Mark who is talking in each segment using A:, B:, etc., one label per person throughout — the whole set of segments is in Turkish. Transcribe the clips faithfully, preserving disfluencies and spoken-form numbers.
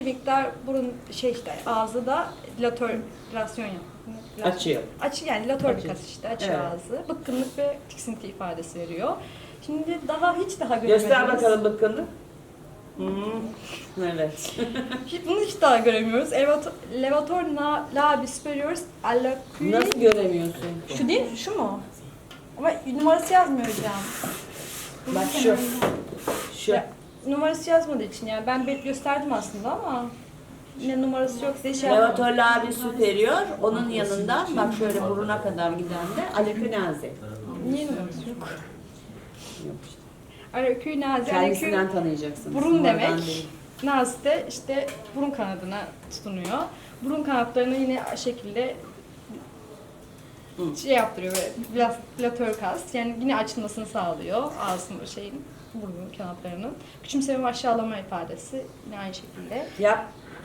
A: miktar burun şey işte ağzı da dilatörlasyon yapıyor.
B: Açıyor.
A: Açı yani dilatör bir
B: Açıyor.
A: kas işte açıyor
B: Evet.
A: ağzı. Bıkkınlık ve tiksinti ifadesi veriyor. Şimdi daha hiç daha göremediğimiz.
B: Göster bakalım bıkkınlık. Hmm. Evet.
A: Hiç, bunu hiç daha göremiyoruz. Elevator, levator na, labi superior allocui.
B: Nasıl göremiyorsun?
A: Şu değil mi? Şu mu? Ama numarası yazmıyor hocam.
B: Bak şu. Şu.
A: Ya, numarası yazmadığı için yani ben belki gösterdim aslında ama yine numarası yok diye şey
B: Levator
A: yapmadım.
B: labi superior, onun yanından bak şöyle buruna kadar giden de alekünazi.
A: Niye numarası yok?
B: Yok işte.
A: Allocui nazi, allocui
B: Kendisinden tanıyacaksınız.
A: burun
B: Sonradan
A: demek.
B: değil.
A: Nazi de işte burun kanadına tutunuyor. Burun kanatlarını yine o şekilde
B: Hı.
A: şey yaptırıyor böyle biraz dilatör kas. Yani yine açılmasını sağlıyor ağzının şeyin burun kanatlarının. Küçümseme ve aşağılama ifadesi yine aynı şekilde.
B: Yap.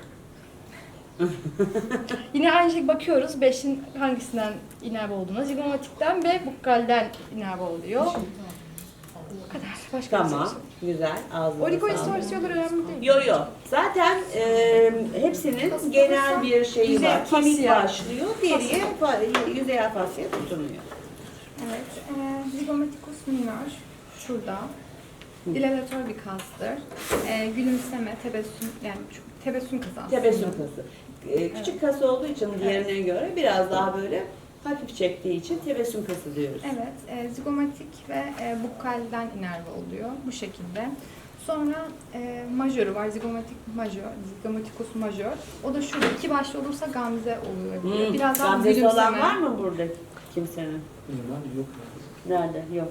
A: Yine aynı şekilde bakıyoruz beşin hangisinden inerve olduğuna. Zigomatikten ve bukkalden inerve oluyor. Bu kadar. Başka bir
B: Tamam.
A: şey.
B: Güzel. Ağzına
A: Oligoistorsiyonlar önemli değil.
B: Yo yo. Zaten e, hepsinin genel bir şeyi
A: Yüzey
B: var. Kemik
A: fasya.
B: başlıyor, deriye, fa- yüzeyel fasya tutunuyor.
C: Evet, e, zigomatikus minor şurada. Dilatör bir kastır. E, gülümseme, tebessüm, yani şu- tebessüm kası aslında.
B: Tebessüm kası. E, küçük kas olduğu için diğerine göre biraz daha böyle hafif çektiği için tebessüm kası diyoruz.
C: Evet, e, zigomatik ve e, bukkalden inerve oluyor bu şekilde. Sonra e, majörü var, zigomatik majör, zigomatikus majör. O da şurada iki başlı olursa gamze oluyor.
B: Hmm.
C: Biraz daha
B: Gamzesi
C: gülümseme.
B: olan var mı burada kimsenin?
D: Bilmem yok.
B: Nerede? Yok.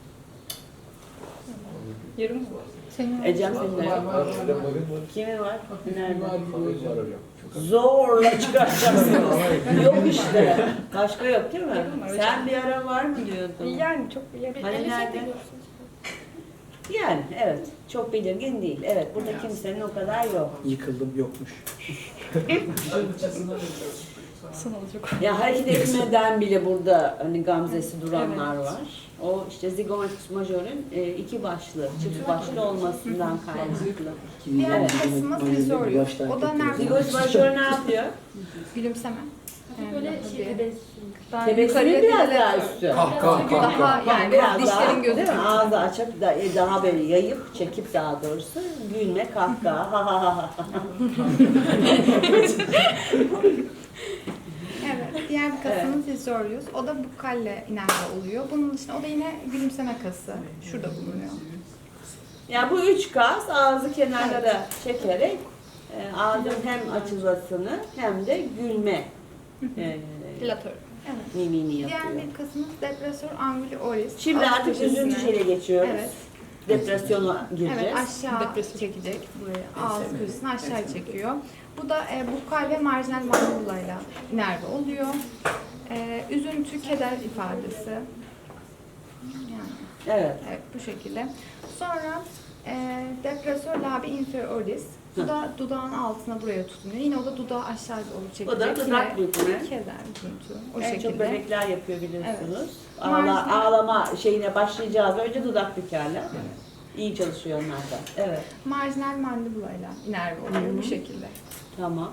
A: Yarım mı?
C: Senin
B: Ecem senin de yok.
D: Var, şurada bakın var.
B: Kimin var? Nerede?
D: Var hocam.
B: Zorla çıkartacaksın. Yok işte. Başka yok değil mi?
A: Yakın var hocam.
B: Sen bir ara var mı diyordun?
A: Yani çok bile
B: Hani nerede? Yani evet. Çok belirgin değil. Evet. Burada kimsenin o kadar yok.
D: Yıkıldım yokmuş.
A: son olacak.
B: Ya hareket etmeden bile burada hani gamzesi duranlar
A: Evet.
B: var. O işte zigomatik majörün e, iki başlı, çift başlı olmasından kaynaklı.
C: Diğer
B: Evet.
C: kısmımız vizorius. O da nerede?
B: Zigomatik majör ne yapıyor?
C: Gülümseme. Yani
E: Böyle
C: daha
E: şey
C: bir-
E: tebessüm.
C: daha
B: Tebessümün
C: yukarıya
B: biraz
C: bir
B: daha
C: de-
B: üstü.
D: Kah kah kah
C: Daha
D: kah.
C: yani
B: biraz
C: dişlerin
B: daha, değil
C: gözüküyor.
B: mi? Ağzı açıp da, e, daha böyle yayıp, çekip daha doğrusu gülme, kahkaha, ha ha ha ha.
C: Evet, diğer bir kasımız vizorius. O da bukkalle inerve oluyor. Bunun dışında o da yine gülümseme kası. Şurada bulunuyor.
B: Yani bu üç kas ağzı kenarlara çekerek e, ağzın hem açılmasını hem de gülme e,
A: Dilatör.
C: Evet.
B: mimini
C: Diğer
B: yapıyor.
C: bir kasımız depresör anguli oris.
B: Şimdi
C: Alt
B: artık
C: köşesine.
B: üzüntü şeyle geçiyoruz.
C: Evet.
B: Depresyona gireceğiz.
C: Evet, aşağı
A: Depresyon.
C: çekecek buraya. Ağız köşesini aşağı çekiyor. Bu da e, bukkal ve marjinal mandibulayla inerve oluyor. E, üzüntü, keder ifadesi. Yani,
B: Evet.
C: evet, bu şekilde. Sonra e, depresör labi inferioris. Bu da dudağın altına buraya tutunuyor. Yine o da dudağı aşağı doğru çekecek.
B: O da dudak
C: Yine
B: bükme.
C: keder, üzüntü. O
B: En
C: şekilde.
B: çok bebekler yapıyor biliyorsunuz.
C: Evet.
B: Ağla,
C: Marjinal-
B: ağlama şeyine başlayacağız. Önce dudak bükerler. İyi çalışıyor onlar da. Evet.
C: Marjinal mandibulayla inerve oluyor
B: Hı hı.
C: bu şekilde.
B: Tamam.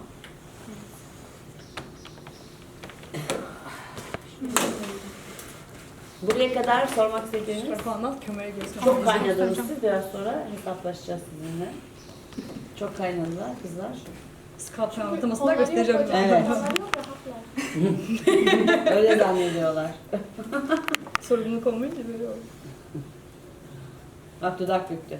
B: Buraya kadar sormak istediğiniz
A: Bak anlat kömere gözüne.
B: çok kaynadınız siz. Biraz sonra hesaplaşacağız sizinle. Çok kaynadılar kızlar.
A: Skalp anlatılmasını da göstereceğim.
B: Evet.
E: Onlar yok rahatlar.
B: Öyle zannediyorlar.
A: Sorumluluk olmayınca böyle oluyor.
B: Bak dudak büktü.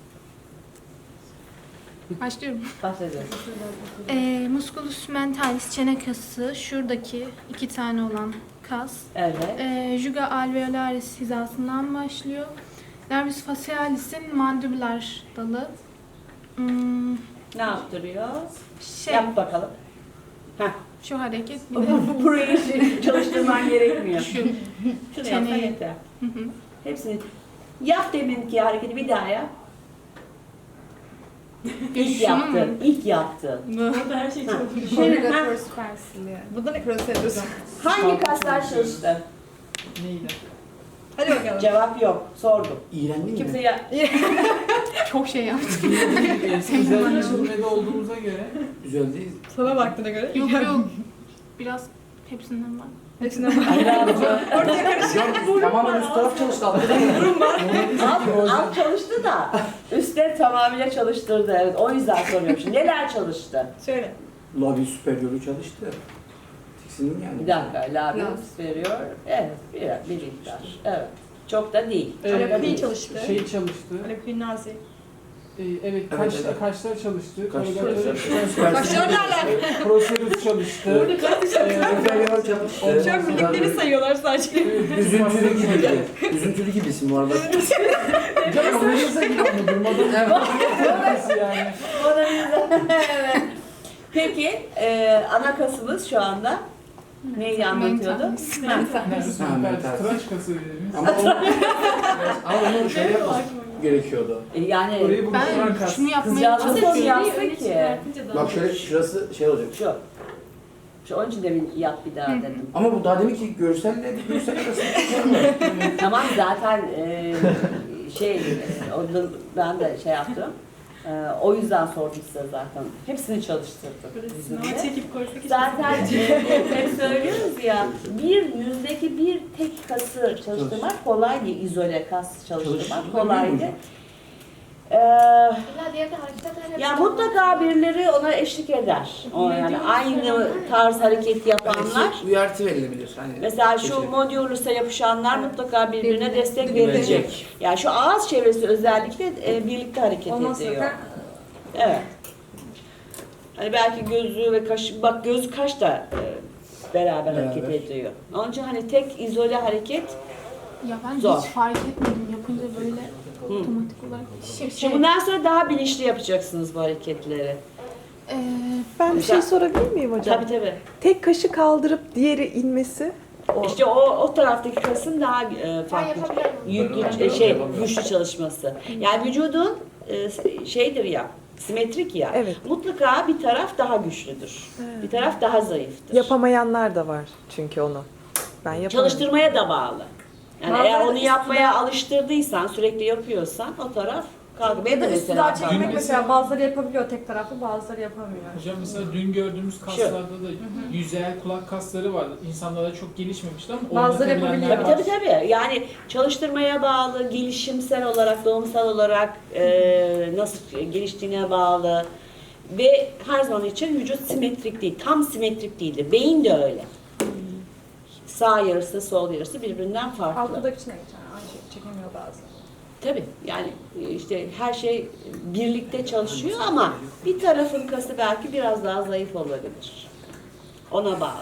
C: Başlıyorum.
B: Bahsediyorum.
C: E, musculus mentalis çene kası şuradaki iki tane olan kas.
B: Evet.
C: E, juga alveolaris hizasından başlıyor. Nervus facialis'in mandibular dalı. Hmm,
B: Ne yaptırıyor?
C: şey,
B: Yap bakalım. Heh.
C: şu hareket bir
B: Bu,
C: de.
B: bu, burayı şey- çalıştırman gerekmiyor.
C: Şu.
B: Şunu yapsan
C: Çeneyi.
B: yeter.
C: Hı hı.
B: Hepsini. Yap deminki hareketi bir daha yap. İlk
C: Şunu mu?
B: yaptın. İlk yaptın.
A: Burada her şey
B: Ha.
A: çalışıyor.
B: Şimdi, ha,
C: Corrugator superciliary.
A: Burada ne kadar seviyorsun?
B: hangi kaslar çalıştı?
D: Neyle?
A: Hadi bakalım.
B: Cevap yok. Sordum.
D: İğrendin
B: Kimse
D: mi?
B: ya...
C: Çok şey yaptık.
E: Özelleştirmede olduğumuza göre
D: Güzel değil.
A: Sana baktığına göre.
F: Yok yok. Biraz hepsinden var.
A: Hepsine bak.
B: Ortaya karışık.
D: Tamamen üst taraf çalıştı.
B: Durum var. Alt, alt çalıştı da üstleri tamamıyla çalıştırdı. Evet, o yüzden soruyorum şimdi. Neler çalıştı?
A: Söyle.
D: Labi süperiyörü çalıştı. Tiksindim yani.
B: Bir dakika. Labius
A: Labs.
B: veriyor. Evet. Bir, bir miktar. Evet. Çok da değil.
E: e,
A: Alepi çalıştı.
E: şey çalıştı.
A: Alepi nazi.
E: E, evet,
D: Evet,
E: kaşlar,
D: evet.
E: kaşlar çalıştı.
D: Kaşlar
E: Kaşlar
D: çalıştı.
A: Başlar nerede?
E: Prosedür çalıştı.
D: Süperiyör çalıştı.
A: Şu an bildikleri sayıyorlar sadece.
D: Üzüntülü gibiydi. Üzüntülü gibisin bu arada.
E: Canım analize gibi ama durmadan. Nasıl yani?
B: Evet. Peki, e, ana kasımız şu anda neyi anlatıyordu?
E: Neresi
D: Ha, mental.
E: tıraş kası dediğimiz.
D: Ama onu, ama onu şey yapması gerekiyordu.
B: E, Yani
E: Orayı buluşturan
F: Ben
E: kas.
F: şunu yapmaya
B: Kızcağız nasıl
F: çalışıyorum.
B: yapsın ki?
D: Bak şöyle şurası şey olacak.
B: Şu. Şu onun için de bir yap bir daha dedim.
D: Ama bu daha demin ki görselle bir görsel arasında
B: Tamam zaten e, şey, e, orada ben de şey yaptım. E, o yüzden sordum size zaten. Hepsini çalıştırdım. bizimle.
A: Çekip koysak
B: Zaten e, hep söylüyoruz ya, bir yüzdeki bir tek kası çalıştırmak kolay değil, izole kas çalıştırmak kolay değil. Ee, ya mutlaka birileri ona eşlik eder. O yani aynı tarz hareket yapanlar.
D: uyartı verilebilir. Hani
B: Mesela şu
D: Geçelim.
B: modülüse yapışanlar mutlaka birbirine destek verecek. Yani şu ağız çevresi özellikle e, birlikte hareket
A: Ondan
B: ediyor.
A: sonra
B: Evet. Hani belki gözü ve kaş, bak göz kaş da e, beraber hareket
D: Beraber.
B: ediyor. Onun için hani tek izole hareket.
F: Ya ben
B: Zor.
F: hiç fark etmedim yapınca böyle otomatik olarak. Şey, şey,
B: Şimdi bundan sonra daha bilinçli yapacaksınız bu hareketleri.
F: eee,
G: Ben bir şey sorabilir miyim hocam?
B: Tabii tabii.
G: Tek kaşı kaldırıp diğeri inmesi. O.
B: İşte o o taraftaki kasın daha e, farklı, yüklü, e, şey güçlü çalışması. Yani vücudun e, şeydir ya, simetrik ya.
G: Evet.
B: Mutlaka bir taraf daha güçlüdür. Bir taraf daha zayıftır.
G: Yapamayanlar da var çünkü onu. Ben yapamıyorum.
B: Çalıştırmaya da bağlı. Yani
A: Bazıları
B: eğer onu
A: üstüne-
B: yapmaya alıştırdıysan, sürekli yapıyorsan o taraf kalkıyor. Benim de
A: Ya da
B: mesela
A: üstüne çekmek
B: kalkıyor.
A: mesela bazıları yapabiliyor tek taraflı, bazıları yapamıyor.
E: Hocam mesela dün gördüğümüz kaslarda da yüzeyel kulak kasları vardı. İnsanlarda çok gelişmemişti ama
A: Bazıları
E: oynatabilenler
A: yapabiliyor.
B: Tabii
E: var.
B: tabii tabii. Yani çalıştırmaya bağlı, gelişimsel olarak, doğumsal olarak e, nasıl geliştiğine bağlı. Ve her zaman için vücut simetrik değil, tam simetrik değildir. Beyin de öyle. Sağ yarısı, sol yarısı birbirinden farklı.
A: Altıdakine geçen aynı şey çekemiyor bazen.
B: Tabii yani işte her şey birlikte çalışıyor ama bir tarafın kası belki biraz daha zayıf olabilir. Ona bağlı.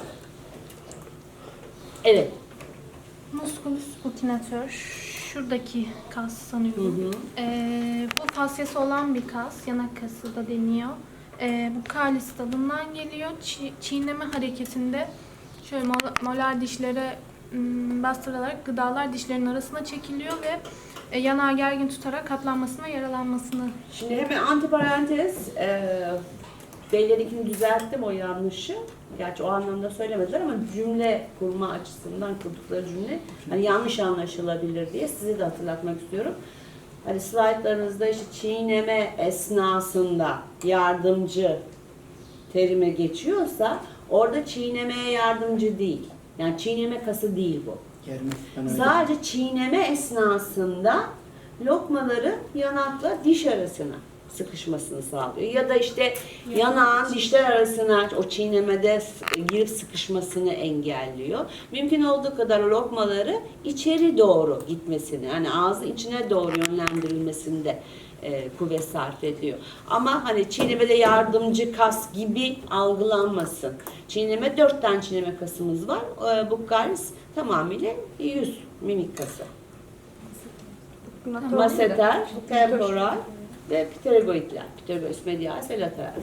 B: Evet.
F: musculus sputinator. Şuradaki kas sanıyorum. Eee, bu fasyası olan bir kas. Yanak kası da deniyor. Eee, bu kalis dalından geliyor. Çi- çiğneme hareketinde şöyle mol- molar dişlere m, bastırılarak gıdalar dişlerin arasına çekiliyor ve e, yanağı gergin tutarak katlanmasına, yaralanmasını.
B: Şimdi hemen antiparantez, e, Beyler'inkini düzelttim o yanlışı. Gerçi o anlamda söylemediler ama cümle kurma açısından kurdukları cümle hani yanlış anlaşılabilir diye size de hatırlatmak istiyorum. Hani slaytlarınızda işte çiğneme esnasında yardımcı terime geçiyorsa orada çiğnemeye yardımcı değil. Yani çiğneme kası değil bu.
D: Germek. Ben öyle.
B: Sadece çiğneme esnasında lokmaları yanakla diş arasına sıkışmasını sağlıyor. Ya da işte yanağın dişler arasına o çiğnemede s- girip sıkışmasını engelliyor. Mümkün olduğu kadar lokmaları içeri doğru gitmesini, yani ağzın içine doğru yönlendirilmesinde e, kuvvet sarf ediyor. Ama hani çiğnemede yardımcı kas gibi algılanmasın. Çiğneme, dört tane çiğneme kasımız var. E, bu kalis tamamıyla yüz mimik kası. Maseter, temporal ve pterygoidler. Pterygoid medialis ve lateralis.